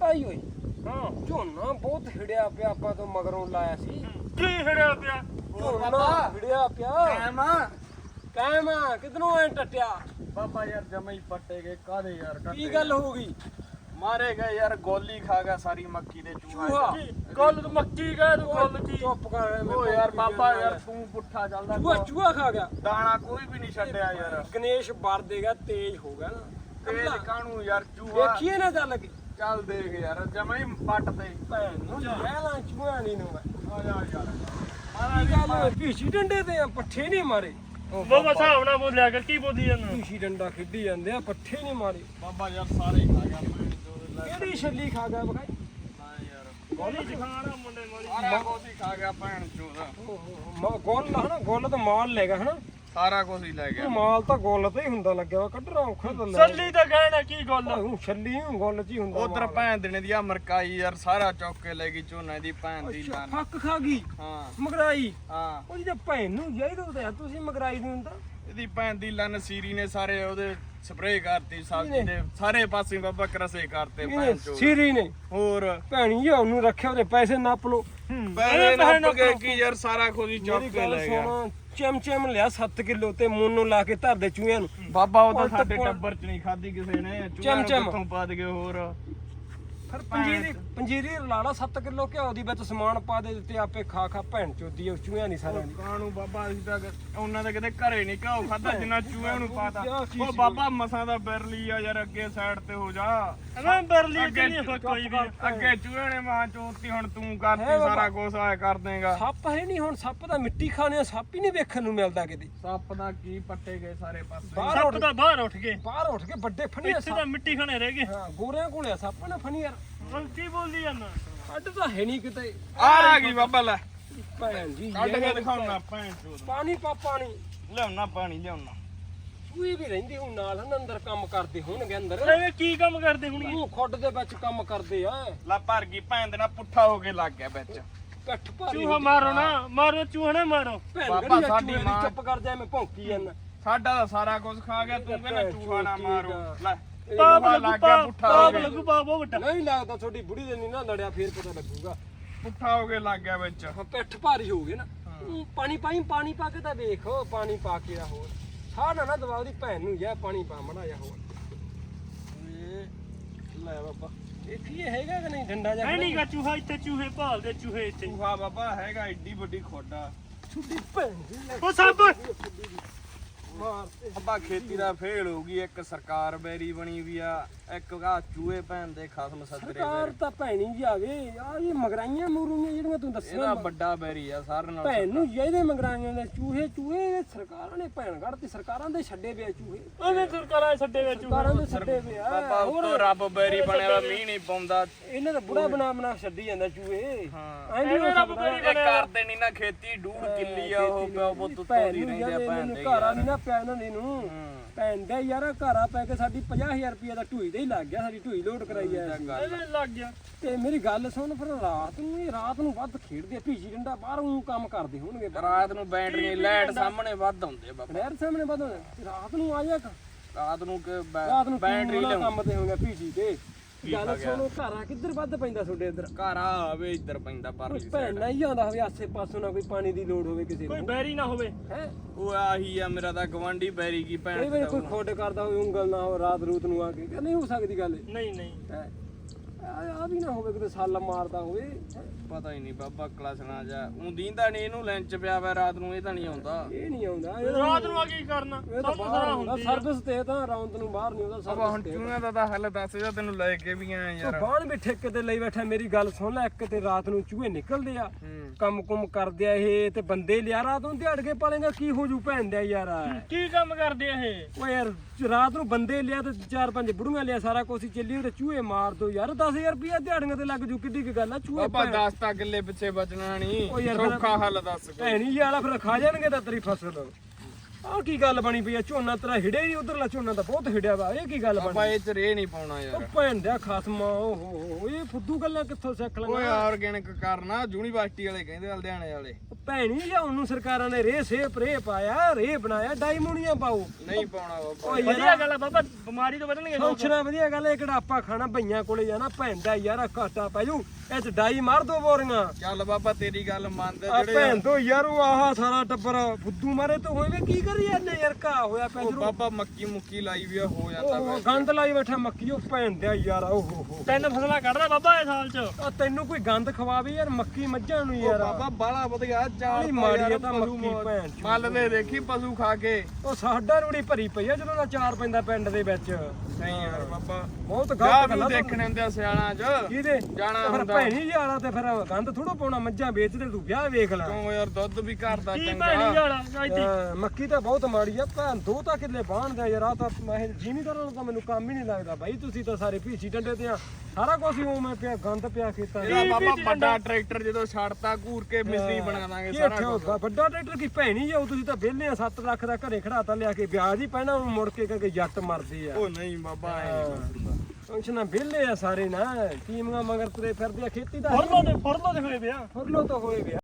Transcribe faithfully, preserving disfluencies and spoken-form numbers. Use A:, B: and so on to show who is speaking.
A: ਭਾਈ ਓਏ
B: ਹਾਂ
A: ਝੋਨਾ ਬਹੁਤ ਹਿੜਿਆ ਪਿਆ ਆਪਾਂ ਤੋਂ ਮਗਰੋਂ ਲਾਇਆ ਸੀ
B: ਕੀ ਹੜਿਆ ਪਿਆ
A: ਝੋਨਾ ਹਿੜਿਆ ਪਿਆ
C: ਕਾਇਮ
A: ਕਾਇਮ ਕਿਧਰੋਂ ਐ ਟੱਟਿਆ
C: ਬਾਬਾ ਯਾਰ ਜਮਾ ਹੀ ਪੱਟੇ ਗਏ ਕਾਦੇ ਯਾਰ
A: ਕੀ ਗੱਲ ਹੋ ਗਈ
C: ਮਾਰੇ ਗਏ ਯਾਰ ਗੋਲੀ ਖਾ ਗਿਆ ਸਾਰੀ ਮੱਕੀ ਦੇ
A: ਚੂਹਾ।
C: ਚੂਹਾ
B: ਗੱਲ ਤੂੰ ਮੱਕੀ ਕਹੇ ਤੂੰ ਗੱਲ ਕੀ
A: ਚੁੱਪ ਕਰ ਐਵੇਂ
C: ਓ ਯਾਰ
A: ਭੌਂਕੀ
C: ਬਾਬਾ
A: ਜਾਂਦਾ
C: ਯਾਰ ਤੂੰ ਪੁੱਠਾ ਚੱਲਦਾ
A: ਚੂਹਾ ਚੂਹਾ ਖਾ ਗਿਆ
C: ਦਾਣਾ ਕੋਈ ਵੀ ਨਹੀਂ ਛੱਡਿਆ ਯਾਰ
A: ਗਣੇਸ਼ ਵਰ ਦੇਗਾ ਤੇਜ਼ ਹੋ ਗਿਆ ਨਾ
C: ਤੇਜ ਕਾਣੂ ਯਾਰ ਚੂਹਾ
A: ਦੇਖੀਏ ਨਾ ਚੱਲ ਕੇ
C: ਚੱਲ ਦੇਖ ਯਾਰ ਜਮਾ ਹੀ ਪੱਟ ਤੇ
A: ਭੈਣ ਨੂੰ ਪਹਿਲਾਂ ਚੂਹਾ ਨਹੀਂ ਨੂੰ
C: ਆ ਜਾ ਯਾਰ
A: ਕੀ ਗੱਲ ਹੋਈ ਭੀਸ਼ੀ ਡੰਡੇ ਤੇ ਆ, ਪੱਠੇ ਨਹੀਂ ਮਾਰੇ
B: ਬਾਬਾ ਹਿਸਾਬ ਨਾਲ ਬੋਲਿਆ ਕਰ ਕੀ ਬੋਲੀ ਜਾਂਦਾ
A: ਭੀਸ਼ੀ ਡੰਡਾ ਖੇਡੀ ਜਾਂਦੇ ਆ ਪੱਠੇ ਨਹੀਂ ਮਾਰੇ
C: ਬਾਬਾ ਯਾਰ ਸਾਰੇ ਹੀ ਖਾ ਗਿਆ ਮੈਂ ਜੋ ਲੈ
A: ਕਿਹੜੀ ਛੱਲੀ ਖਾ ਗਿਆ ਬਖਾਈ
C: ਨਾ ਯਾਰ
B: ਗੋਲੀ ਚਖਾਣਾ ਮੁੰਡੇ ਮਾਰੀ
C: ਸਾਰਾ ਕੁਝ ਹੀ ਖਾ ਗਿਆ ਭੈਣ ਚੋਦਾ
A: ਓਹੋ ਗੋਲ ਹਨਾ ਗੋਲ ਤਾਂ ਮਾਲ ਲੈ ਗਿਆ ਹਨਾ
C: ਸਾਰਾ ਕੁਝ ਹੀ ਲੈ ਗਿਆ
A: ਮਾਲ ਤਾਂ ਗੋਲ ਤੇ ਹੀ ਹੁੰਦਾ ਲੱਗਿਆ ਵਾ ਕੱਢਣਾ ਔਖਾ ਤਾਂ ਲੈ
B: ਸੱਲੀ ਤਾਂ ਕਹਿਣਾ ਕੀ ਗੱਲ
A: ਉਹ ਛੱਲੀ ਨੂੰ ਗੋਲ ਚ ਹੀ ਹੁੰਦਾ
C: ਉਧਰ
A: ਮਾਲ।
C: ਭੈਣ ਦੇਣੇ ਦੀ ਆ ਮਰਕਾਈ ਯਾਰ ਸਾਰਾ ਚੌਕ ਕੇ ਲੈ ਗਈ ਝੋਨੇ ਦੀ ਭੈਣ ਦੀ
A: ਅੱਛਾ,
C: ਲਾਨ
A: ਫੱਕ ਖਾ ਗਈ
C: ਹਾਂ
A: ਮਗਰਾਈ
C: ਹਾਂ
A: ਉਹ ਜਿਹਦੇ ਭੈਣ ਨੂੰ ਜਾਈਦਾ ਉਹਦੇ ਤੁਸੀਂ ਮਗਰਾਈ ਨੂੰ ਹੁੰਦਾ
C: ਇਹਦੀ ਭੈਣ ਦੀ ਲੰਨ ਸੀਰੀ ਨੇ ਸਾਰੇ ਉਹਦੇ ਸਪਰੇਅ ਕਰਤੀ ਸਬਜ਼ੀ ਦੇ ਸਾਰੇ ਪਾਸੇ ਬਾਬਾ ਕਰਸੇ ਕਰਤੇ ਭੈਣ ਚੋ
A: ਸੀਰੀ ਨੇ
C: ਹੋਰ
A: ਭੈਣੀ ਜੀ ਉਹਨੂੰ ਰੱਖਿਆ ਉਹਦੇ ਪੈਸੇ ਨੱਪ ਲੋ
C: ਪੈਸੇ ਨੱਪ ਕੇ ਕੀ ਯਾਰ ਸਾਰਾ ਕੁਝ ਹੀ ਚੌਕ
A: ਮੇਰੀ
C: ਕੇ
A: ਗੱਲ
C: ਲੈ ਗਿਆ
A: ਸੁਣ ਚਮ ਚਮ ਲਿਆ ਸੱਤ ਕਿਲੋ ਤੇ ਮੋਨੋ ਲਾ ਕੇ ਧਰ ਦੇ ਚੂਹਿਆਂ ਨੂੰ
C: ਬਾਬਾ ਉਹ ਤਾਂ
A: ਉਲਟ
C: ਸਾਡੇ
A: ਪੁਲ-
C: ਟੱਬਰ ਚ ਨਹੀਂ ਖਾਦੀ ਕਿਸੇ ਨੇ
A: ਚਮ
C: ਚੂਹਿਆਂ
A: ਚਮ।
C: ਨੂੰ ਕਿੱਥੋਂ ਪਾ ਦਗੇ ਹੋਰ
A: ਫਿਰ ਪੰਜੀਰੀ ਪੰਜੀਰੀ ਲਾ ਲਾ ਸੱਤ ਕਿਲੋ ਘਿਓ ਦੀ ਵਿੱਚ ਸਮਾਨ ਪਾ ਦੇ ਦਿੱਤੇ ਆਪੇ ਖਾ ਖਾ ਭੈਣ ਚੋਦੀ ਉਹ ਚੂਹਿਆਂ ਨਹੀਂ ਸਾਰਿਆਂ ਦੀ
C: ਕਾਣੂ ਬਾਬਾ ਅਸੀਂ ਤਾਂ ਉਹਨਾਂ ਦੇ ਕਿਤੇ ਘਰੇ ਨਹੀਂ ਘਾਉ ਖਾਦਾ ਜਿੰਨਾ ਚੂਹਿਆਂ ਨੂੰ ਪਾਤਾ
A: ਕਿਆ ਚੀਜ਼
C: ਉਹ
A: ਸੀ
C: ਬਾਬਾ ਮਸਾਂ ਦਾ ਬਿਰਲੀ ਆ ਯਾਰ ਅੱਗੇ ਸਾਈਡ ਤੇ ਹੋ ਜਾ
B: ਐਵੇਂ ਬਰਲੀ
C: ਅੱਗੇ
B: ਕਿੰਨੀ ਹੋ ਕੋਈ ਵੀ
C: ਅੱਗੇ ਚੂਹੇ ਨੇ ਮਾਂ ਚੋਤੀ ਹੁਣ ਤੂੰ ਕਰਤੀ
A: ਹੈ ਬਾਬਾ।
C: ਸਾਰਾ ਕੁਝ ਆਇਆ ਕਰ ਦੇਗਾ
A: ਸੱਪ ਹੈ ਨਹੀਂ ਹੁਣ ਸੱਪ ਦਾ ਮਿੱਟੀ ਖਾਣੇ ਆ, ਸੱਪ ਹੀ ਨਹੀਂ ਵੇਖਣ ਨੂੰ ਮਿਲਦਾ ਕਿਤੇ
C: ਸੱਪ ਦਾ ਕੀ ਪੱਟੇ ਗਏ ਸਾਰੇ ਪਾਸੇ
A: ਬਾਹਰ
B: ਸੱਪ ਤਾਂ ਬਾਹਰ ਉੱਠ ਗਏ
A: ਬਾਹਰ ਉੱਠ ਕੇ ਵੱਡੇ ਫਣੀਆਂ
B: ਇੱਥੇ ਤਾਂ ਮਿੱਟੀ ਖਾਣੇ ਰਹਿ ਗਏ
A: ਹਾਂ ਗੋਰਿਆਂ ਕੋਲੇ ਆ ਸੱਪ ਨਾ ਫਣੀਆਂ
B: ਹੁਣ ਕੀ ਬੋਲੀ ਜਾਂਦਾ
A: ਅੱਡ ਤਾਂ ਹੈ ਨਹੀਂ ਕਿਤੇ
C: ਆ ਆ ਗਈ ਬਾਬਾ ਲੈ
A: ਭੈਣ ਜੀ
C: ਕੱਢ ਕੇ
A: ਇਹ
C: ਦਿਖਾਉਣਾ ਭੈਣ ਚੋਦ
A: ਪਾਣੀ ਪਾ ਪਾਣੀ
C: ਲਿਆਉਣਾ ਪਾਣੀ ਲਿਆਉਣਾ
A: ਸੂਈ ਵੀ ਰਹਿੰਦੀ ਹੁਣ ਨਾਲ ਹਨ ਅੰਦਰ ਕੰਮ ਕਰਦੇ ਹੋਣਗੇ ਅੰਦਰ
B: ਐਵੇਂ ਕੀ ਕੰਮ ਕਰਦੇ ਹੋਣਗੇ
A: ਉਹ ਖੁੱਡ ਦੇ ਵਿੱਚ ਕੰਮ ਕਰਦੇ ਆ
C: ਲੈ ਭਰ ਗਈ ਭੈਣ ਦੇ ਨਾਲ ਪੁੱਠਾ ਹੋ ਕੇ ਲੱਗ ਗਿਆ ਵਿੱਚ
A: ਪਿੱਠ ਭਾਰੀ
B: ਚੂਹਾ ਮਾਰੋ ਨਾ ਮਾਰੋ ਚੂਹਾ ਨਾ ਮਾਰੋ
A: ਭੈਣ
C: ਬਾਬਾ
A: ਗੜੀ
C: ਸਾਡੀ
A: ਸਾਡੀ
C: ਮਾਂ-
A: ਚੁੱਪ ਕਰ ਜਾ ਮੈਂ ਭੌਂਕੀ ਜਾਂਦਾ
C: ਸਾਡਾ ਤਾਂ ਸਾਰਾ ਕੁਝ ਖਾ ਗਿਆ ਤੂੰ ਕਹਿੰਦਾ ਚੂਹਾ ਨਾ ਮਾਰੋ ਲੈ
B: ਪਾਪ
C: ਚੂਹਾ
B: ਲੱਗੂ
C: ਲੱਗ ਗਿਆ ਪੁੱਠਾ ਹੋ
B: ਪਾਪ
C: ਗਿਆ
B: ਲੱਗੂ ਪਾਪ ਉਹ ਵੱਡਾ
A: ਨਹੀਂ ਲੱਗਦਾ ਤੁਹਾਡੀ ਬੁੜੀ ਦੇ ਨਹੀਂ ਨਾ ਲੜਿਆ ਫੇਰ ਪਤਾ ਲੱਗੂਗਾ
C: ਪੁੱਠਾ ਹੋ ਕੇ ਲੱਗ ਗਿਆ ਵਿੱਚ
A: ਹਾਂ, ਪਿੱਠ ਭਾਰੀ ਹੋ ਗਈ ਨਾ ਊਂ ਪਾਣੀ ਪਾਈ ਪਾਣੀ ਪਾ ਕੇ ਤਾਂ ਵੇਖੋ ਪਾਣੀ ਪਾ ਕੇ ਆ ਹੋਰ ਸਾਹ ਨਾ ਨਾ ਦਵਾ ਉਹਦੀ ਭੈਣ ਨੂੰ ਜਾ ਪਾਣੀ ਪਾ ਮੜਾ ਜਾ ਹੋਰ ਇਹ ਲੈ ਬਾਬਾ ਇਹ ਕੀ ਹੈਗਾ ਕਿ ਨਹੀਂ ਡੰਡਾ ਜਾ
B: ਐ ਨਹੀਂਗਾ ਚੂਹਾ ਇੱਥੇ ਚੂਹੇ ਭਾਲਦੇ ਚੂਹੇ ਇੱਥੇ
C: ਚੂਹਾ ਬਾਬਾ ਹੈਗਾ ਏਡੀ ਵੱਡੀ ਖੋਡਾ
A: ਛੁੱਟੀ ਭੈਣ ਦੀ ਲੈ
B: ਉਹ ਸੱਪ
A: ਮਾਰ ਤੇ
C: ਅੱਬਾ ਖੇਤੀ ਦਾ ਫੇਲ ਹੋ ਗਈ ਇੱਕ ਸਰਕਾਰ ਬੈਰੀ ਬਣੀ ਵੀ ਆ ਇੱਕ ਆ ਚੂਹੇ ਭੈਣ ਦੇ ਖਸਮ ਸੱਜਰੇ
A: ਸਰਕਾਰ ਤਾਂ ਭੈਣੀ ਜੀ ਆਵੇ ਆ ਇਹ ਮਗਰਾਈਆਂ ਮੂਰੂਆਂ ਜਿਹੜੀਆਂ ਤੂੰ
C: ਇਹਦਾ
A: ਦੱਸਿਆ
C: ਵੱਡਾ ਬੈਰੀ ਆ ਸਾਰਿਆਂ ਨਾਲ
A: ਭੈਣ ਨੂੰ ਜਿਹਦੇ ਮਗਰਾਈਆਂ ਦੇ ਚੂਹੇ ਚੂਹੇ ਇਹ ਸਰਕਾਰਾਂ ਨੇ ਭੈਣ ਕੱਢਤੀ ਸਰਕਾਰਾਂ ਦੇ ਛੱਡੇ ਪਿਆ ਚੂਹੇ
B: ਉਹਨੇ ਸਰਕਾਰਾਂ ਛੱਡੇ ਵਿੱਚ
A: ਸਰਕਾਰਾਂ ਦੇ ਛੱਡੇ ਪਿਆ
C: ਬਾਬਾ ਉੱਤੋਂ ਰੱਬ ਬੈਰੀ ਬਣਿਆ ਵਾ ਮੀਂਹ ਨਹੀਂ ਪਾਉਂਦਾ
A: ਇਹਨਾਂ ਦਾ ਬੁੜਾ ਬਣਾ ਬਣਾ ਛੱਡੀ ਜਾਂਦਾ ਚੂਹੇ
C: ਹਾਂ
A: ਐਂ ਨੀ ਹੋ
B: ਰੱਬ
A: ਸਕਦਾ।
B: ਬੈਰੀ
C: ਇਹ ਕਰਦੇ ਨਹੀਂ ਨਾ ਖੇਤੀ ਡੂੜ ਕਿੱਲੀ ਆ ਉਹ ਪਿਓ ਪੁੱਤ ਉੱਤੋਂ ਦੀ ਰਹਿੰਦੇ ਆ ਭੈਣ ਦੇ
A: ਘਰਾਂ ਨਹੀਂ ਨਾ ਪਿਆ ਇਹਨਾਂ ਦੀ ਨੂੰ
C: ਹੂੰ।
A: ਭੈਣ ਦੇ ਯਾਰ ਘਰਾਂ ਪੈ ਕੇ ਸਾਡੀ ਪੰਜਾਹ ਹਜ਼ਾਰ ਰੁਪਏ ਦਾ ਢੂਈ ਤੇ ਹੀ ਲੱਗ ਗਿਆ ਸਾਡੀ ਢੂਈ ਲੋਡ ਕਰਾਈ ਆ ਅਸੀਂ।
B: ਐਵੇਂ ਲੱਗ ਗਿਆ
A: ਤੇ ਮੇਰੀ ਗੱਲ ਸੁਣ ਫਿਰ ਰਾਤ ਨੂੰ ਇਹ ਰਾਤ ਨੂੰ ਵੱਧ ਖੇਡਦੇ ਆ ਭੀਜੀ ਡੰਡਾ ਬਾਹਰੋਂ ਕੰਮ ਕਰਦੇ ਹੋਣਗੇ
C: ਰਾਤ ਨੂੰ ਬੈਟਰੀ ਲਾਈਟ ਸਾਹਮਣੇ ਵੱਧ ਆਉਂਦੇ ਬਾਬਾ
A: ਨਹਿਰ ਸਾਹਮਣੇ ਵੱਧ ਰਾਤ ਨੂੰ ਆ ਜਾ
C: ਰਾਤ ਨੂੰ ਕਿ
A: ਰਾਤ ਨੂੰ
C: ਬੈਟਰੀ
A: ਬੈਟਰੀ
C: ਲਿਆਉਂ
A: ਕੰਮ ਤੇ ਹੋਣਗੇ ਭੀਜੀ ਤੇ ਗੱਲ ਸੁਣੋ ਘਰਾਂ ਕਿੱਧਰ ਵੱਧ ਪੈਂਦਾ ਤੁਹਾਡੇ ਇੱਧਰ
C: ਘਰ ਆਵੇ ਇੱਧਰ ਪੈਂਦਾ ਪਰਲੀ
A: ਭੈਣ ਨਹੀਂ ਆਉਂਦਾ ਹੋਵੇ ਆਸੇ ਪਾਸੋਂ ਨਾ ਕੋਈ ਪਾਣੀ ਦੀ ਲੋੜ ਹੋਵੇ ਕਿਸੇ
B: ਕੋਈ
A: ਨੂੰ
B: ਬੈਰੀ ਨਾ ਹੋਵੇ
A: ਹੈ
C: ਉਹ ਆਹੀ ਆ ਮੇਰਾ ਤਾਂ ਗਵਾਂਢੀ ਬੈਰੀ ਕੀ
A: ਕਈ
C: ਭੈਣ
A: ਵਾਰੀ ਕੋਈ ਖੋਡ ਕਰਦਾ ਹੋਵੇ ਉਂਗਲ ਨਾ ਹੋ ਰਾਤ ਰੂਤ ਨੂੰ ਆ ਕੇ ਕਿ ਨਹੀਂ ਹੋ ਸਕਦੀ ਗੱਲ
B: ਨਹੀਂ ਨਹੀਂ
A: ਹੈ ਆ ਵੀ ਨਾ ਹੋਵੇ ਕਿਤੇ ਸੱਲ ਮਾਰਦਾ ਹੋਵੇ ਹੈਂ।
C: ਪਤਾ ਹੀ ਨਹੀਂ ਬਾਬਾ ਕਲਾਸਣਾ ਜਾ ਉਹ ਦੀਂਦਾ ਨਹੀਂ ਇਹਨੂੰ ਲੈਂਚ ਪਿਆ ਵਾ ਰਾਤ ਨੂੰ ਇਹ ਤਾਂ ਨਹੀਂ ਆਉਂਦਾ
A: ਇਹ ਨਹੀਂ ਆਉਂਦਾ ਇਹ ਤਾਂ-
B: ਰਾਤ ਨੂੰ ਆ ਕੀ ਕਰਨਾ
A: ਇਹ ਤਾਂ
B: ਸਭ
A: ਬਾਹਰ
B: ਤਰ੍ਹਾਂ
A: ਹੁੰਦਾ
B: ਹੁੰਦੀ ਆ
A: ਸਰਵਿਸ ਤੇ ਤਾਂ ਰੌਂਦ ਨੂੰ ਬਾਹਰ ਨਹੀਂ ਆਉਂਦਾ
C: ਬਾਬਾ ਹੁਣ
A: ਸਰਵਿਸ ਤੇ
C: ਚੂਹਿਆਂ ਦਾ ਤਾਂ ਹੱਲ ਦੱਸ ਜਾ ਤੈਨੂੰ ਲੈ ਕੇ ਵੀ ਆਇਆ ਯਾਰ
A: ਬਾਣ ਵੀ ਠੇਕੇ ਤੇ ਲਈ ਬੈਠਾ ਮੇਰੀ ਗੱਲ ਸੁਣ ਲੈ ਇੱਕ ਤੇ ਰਾਤ ਨੂੰ ਚੂਹੇ ਨਿਕਲਦੇ ਆ
C: ਹੂੰ
A: ਕੰਮ ਕੁਮ ਕਰਦੇ ਆ ਇਹ ਤੇ ਬੰਦੇ ਲਿਆ ਰਾਤ ਨੂੰ ਦਿਹਾੜ ਕੇ ਪਾਲੇਗਾ ਕੀ ਹੋ ਜੂ ਭੈਣ ਦਾ ਯਾਰ
B: ਕੀ ਕੰਮ ਕਰਦੇ ਆ ਇਹ
A: ਓ ਯਾਰ ਰਾਤ ਨੂੰ ਬੰਦੇ ਲਿਆ ਤੇ ਚਾਰ ਪੰਜ ਬੁੜੀਆਂ ਲਿਆ ਸਾਰਾ ਕੁਛ ਹੀ ਚੱਲੀ ਤੇ ਚੂਹੇ ਮਾਰ ਦੋ ਯਾਰ ਦਸ ਹਜ਼ਾਰ ਰੁਪਇਆ ਦਿਹਾੜੀਆਂ ਤੇ ਲੱਗ ਜੂ ਕਿੱਡੀ ਕੀ ਗੱਲ ਆ ਚੂਹੇ
C: ਬਾਬਾ ਦਸ ਤਾਂ ਕਿੱਲੇ ਪਿੱਛੇ ਬਚਣਾ ਨਹੀਂ
A: ਉਹ ਯਾਰ ਫਿਰ-
C: ਸੌਖਾ ਹੱਲ ਦੱਸ ਕੋਈ।
A: ਭੈਣੀ ਜੀ ਵਾਲਾ ਫਿਰ ਖਾ ਜਾਣਗੇ ਤਾਂ ਤੇਰੀ ਫਸਲ ਆਹ ਕੀ ਗੱਲ ਬਣੀ ਪਈ ਆ ਝੋਨਾ ਤੇਰਾ ਹਿੜਿਆ ਹੀ ਉਧਰਲਾ ਝੋਨਾ ਤਾਂ ਬਹੁਤ ਹਿੜਿਆ ਵਾ ਇਹ ਕੀ ਗੱਲ
C: ਬਾਬਾ
A: ਬਣੀ
C: ਇਹ ਚ ਰੇ ਨਹੀਂ ਪਾਉਣਾ
A: ਉਹ
C: ਯਾਰ
A: ਭੈਣ ਦਾ ਖਸਮਾ ਓਹੋ ਇਹ ਫੁੱਦੂ ਗੱਲਾਂ ਕਿੱਥੋਂ ਸਿੱਖ
C: ਓਏ
A: ਲੰਗਾ
C: ਆਰਗੈਨਿਕ ਕਰਨਾ ਯੂਨੀਵਰਸਿਟੀ ਵਾਲੇ ਕਹਿੰਦੇ ਆ, ਲੁਧਿਆਣੇ ਵਾਲੇ
A: ਭੈਣੀ ਜਾਂ ਉਹਨੂੰ ਸਰਕਾਰਾਂ ਨੇ ਰੇ ਸੇ ਪਰੇ ਪਾਇਆ ਰੇ ਬਣਾਇਆ ਡਾਈਮੋਨੀਆ ਪਾਓ
C: ਨਹੀਂ ਪਾਉਣਾ ਬਾਬਾ
A: ਓਏ
B: ਵਧੀਆ ਗੱਲ ਆ ਬਾਬਾ ਬਿਮਾਰੀ ਤੋਂ ਬਚਣਗੇ ਲੋਕ
A: ਸੋਚਣਾ ਵਧੀਆ ਗੱਲ ਇਹ ਕਿਹੜਾ ਆਪਾਂ ਖਾਣਾ ਭਈਆਂ ਕੋਲੇ ਜਾਣਾ ਭੈਣ ਦਾ ਯਾਰ ਘਾਟਾ ਪੈ ਜੂ ਇਹ ਚ ਡਾਈ ਮਾਰ ਦੋ ਬੋਰੀਆਂ
C: ਚੱਲ ਬਾਬਾ ਤੇਰੀ ਗੱਲ ਮੰਨਦੇ
A: ਆ
C: ਜਿਹੜੇ
A: ਭੈਣ ਤੋਂ ਯਾਰ ਉਹ ਆਹ ਸਾਰਾ ਟੱਬਰ ਫੁੱਦੂ ਮਾਰੇ ਤੋਂ ਹੋਏ ਵੇ ਕੀ ਕਰੀ ਜਾਂਦੇ ਯਾਰ ਘਾ ਹੋਇਆ ਪੈ
C: ਉਹ
A: ਜਰੂ
C: ਬਾਬਾ ਮੱਕੀ ਮੁੱਕੀ ਲਾਈ ਵੀ ਆ, ਹੋ ਜਾਂਦਾ
A: ਉਹ
C: ਵਾ।
A: ਗੰਦ ਲਾਈ ਬੈਠਾ ਮੱਕੀ ਉਹ ਭੈਣ ਦਾ ਯਾਰ ਓਹ ਹੋ ਹੋ
B: ਤਿੰਨ ਫਸਲਾਂ ਕੱਢਦਾ ਬਾਬਾ ਇਸ ਸਾਲ ਚ
A: ਆ ਤੈਨੂੰ ਕੋਈ ਗੰਦ ਖਵਾਵੇ ਯਾਰ ਮੱਕੀ ਮੱਝਾਂ ਨੂੰ
C: ਉਹ
A: ਯਾਰ
C: ਬਾਬਾ ਬਾਲਾ ਵਧੀਆ ਚਾਲ
A: ਨਹੀਂ ਮਾੜੀ ਆ ਤਾਂ ਮੱਕੀ ਭੈਣ ਚੋਦ।
C: ਮੱਲ ਦੇ ਦੇਖੀ ਪਸ਼ੂ ਖਾ ਕੇ
A: ਉਹ ਸਾਡਾ ਰੂੜੀ ਭਰੀ ਪਈ ਆ ਜਦੋਂ ਦਾ ਚਾਰ ਪੈਂਦਾ ਪਿੰਡ ਦੇ ਵਿੱਚ
C: ਨਹੀਂ ਯਾਰ ਬਾਬਾ
A: ਬਹੁਤ
C: ਜਾ
A: ਗਲਤ
C: ਵੀ
A: ਗੱਲਾਂ
C: ਦੇਖਣੇ ਹੁੰਦੇ ਆ ਸਿਆਲਾਂ 'ਚ
A: ਕਿਹਦੇ
C: ਜਾਣਾ
A: ਤੇ ਫਿਰ
C: ਹੁੰਦਾ।
A: ਭੈਣੀ ਯਾਰਾ ਤੇ ਫਿਰ ਗੰਦ ਥੋੜਾ ਪਾਉਣਾ ਮੱਝਾਂ ਵੇਚਦੇ ਤੂੰ ਵਿਆਹ ਵੇਖ ਲੈ
C: ਕਿਉਂ ਯਾਰ ਦੁੱਧ ਵੀ ਘਰ ਦਾ
B: ਕੀ
C: ਚੰਗਾ
B: ਭੈਣੀ ਵਾਲਾ ਇੱਥੇ
A: ਹਾਂ, ਮੱਕੀ ਤਾਂ ਬਹੁਤ ਮਾੜੀ ਆ ਭੈਣ ਦੋ ਤਾਂ ਕਿੱਲੇ ਬਾਣਦੇ ਯਾਰ ਆ ਤਾਂ ਮੈਂ ਜ਼ਿਮੀਦਾਰਾਂ ਨੂੰ ਤਾਂ ਮੈਨੂੰ ਕੰਮ ਹੀ ਨਹੀਂ ਲੱਗਦਾ ਬਾਈ ਤੁਸੀਂ ਤਾਂ ਸਾਰੇ ਭੀਸੀ ਡੰਡੇ ਤੇ ਆ ਸਾਰਾ ਕੁਝ ਹੀ ਉਵੇਂ ਪਿਆ ਗੰਦ ਪਿਆ ਖੇਤਾਂ 'ਚ।
C: ਇਹਦਾ
B: ਕੀ
C: ਬਾਬਾ
B: ਵੀ
C: ਵੱਡਾ ਟਰੈਕਟਰ ਜਦੋਂ ਛੱਡਤਾ ਘੂਰ ਕੇ ਮਿਸਤਰੀ ਬਣਾ ਦਾਂਗੇ
A: ਕੀ
C: ਸਾਰਾ
A: ਆਖਿਆ
C: ਕੁਝ
A: ਹੋਊਗਾ? ਵੱਡਾ ਟਰੈਕਟਰ ਕੀ ਭੈਣੀ ਜਾਓ ਤੁਸੀਂ ਤਾਂ ਵਿਹਲੇ ਆ ਸੱਤ ਲੱਖ ਦਾ ਘਰੇ ਖੜਾਤਾ ਲਿਆ ਕੇ ਵਿਆਜ ਹੀ ਪੈਣਾ ਉਹਨੂੰ ਮੁੜ ਕੇ ਕਹਿੰਦੇ ਜੱਟ ਮਰਦੇ ਆ
C: ਉਹ ਨਹੀਂ ਬਾਬਾ ਐ
A: ਫੰਕਸ਼ਨਾਂ ਵਿਹਲੇ ਆ ਸਾਰੇ ਨਾ ਟੀਮਾਂ ਮਗਰ ਤੁਰੇ ਫਿਰਦੇ ਆ ਖੇਤੀ ਦਾ
B: ਫੁਰਲੋ ਤੇ ਫੁਰਲੋ ਤੇ ਹੋਏ ਪਿਆ
A: ਫੁਰਲੋ ਤਾਂ ਹੋਏ ਗਿਆ